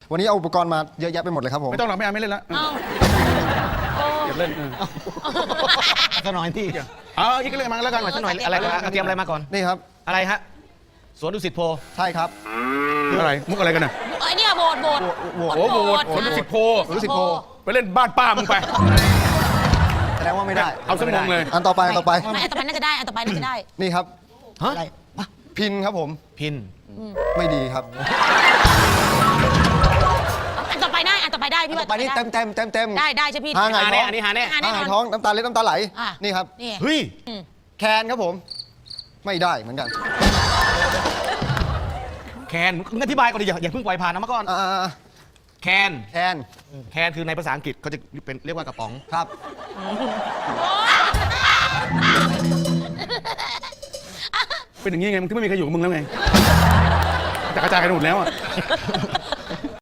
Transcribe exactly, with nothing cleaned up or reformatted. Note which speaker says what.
Speaker 1: วันนี้เอาอุปกรณ์มาเยอะแยะไปหมดเลยครับผม
Speaker 2: ไม่ต้องหรอกไม่เอาไม่เล่นละ
Speaker 3: เอ้า
Speaker 2: อย่าเล่น
Speaker 4: สักหน่อยที่
Speaker 2: เอาอีกเรื่องมาแล้วกัน
Speaker 4: สักหน่อยอะไรกันเตรียมอะไรมาก่อน
Speaker 1: นี่ครับ
Speaker 4: อะไรฮะสวนดุสิตโพ
Speaker 1: ใช่ครับ
Speaker 2: อะไรมุกอะไรกันน่ะ
Speaker 3: ไอเนี่ยโบดโบด
Speaker 1: โหวต
Speaker 2: โอ้โหผลสิบโพ
Speaker 1: สวนดุสิตโพ
Speaker 2: ไปเล่นบ้านป้ามึงไป
Speaker 1: แสดงว่าไม่ได้
Speaker 2: เอาสมองเลย
Speaker 1: อันต่อไปอันต่อไป
Speaker 3: ไม่อันต่อไปน่าจะได้อันต่อไปน่าจะได้
Speaker 1: นี่ครับ
Speaker 4: ฮะ
Speaker 1: พินครับผม
Speaker 4: พิน
Speaker 1: ไม่ดีครับ
Speaker 3: อันต่อไปได้อันต่อไปได้พี่ว่า
Speaker 1: ไปนี่เต็มเต็มเต็มเต็ม
Speaker 3: ได้ได้ใช่พี่
Speaker 1: หาไง
Speaker 4: หาแน่อันนี้หาแน่
Speaker 3: หาแน่
Speaker 1: หาน
Speaker 3: อน
Speaker 1: ท้องน้ำตาเล็ดน้ำตาไหล
Speaker 3: อ่ะ
Speaker 1: นี่ครับ
Speaker 3: นี่
Speaker 4: เฮ้ย
Speaker 1: แคนครับผม ไม่ได้เหมือนกัน
Speaker 4: แคนมึงอธิบายก่อนดิอย่าอย่าเพิ่งปล่อยผ่านนะมาก่อน
Speaker 1: อ่า
Speaker 4: แคน
Speaker 1: แคน
Speaker 4: แคนคือในภาษาอังกฤษเขาจะเป็นเรียกว่ากระป๋อง
Speaker 1: ครับ
Speaker 2: เป็นอย่างนี้ไงมึงที่ไม่มีใครอยู่กับมึงแล้วไงจะกระจายกันหมดแล้วอ่ะ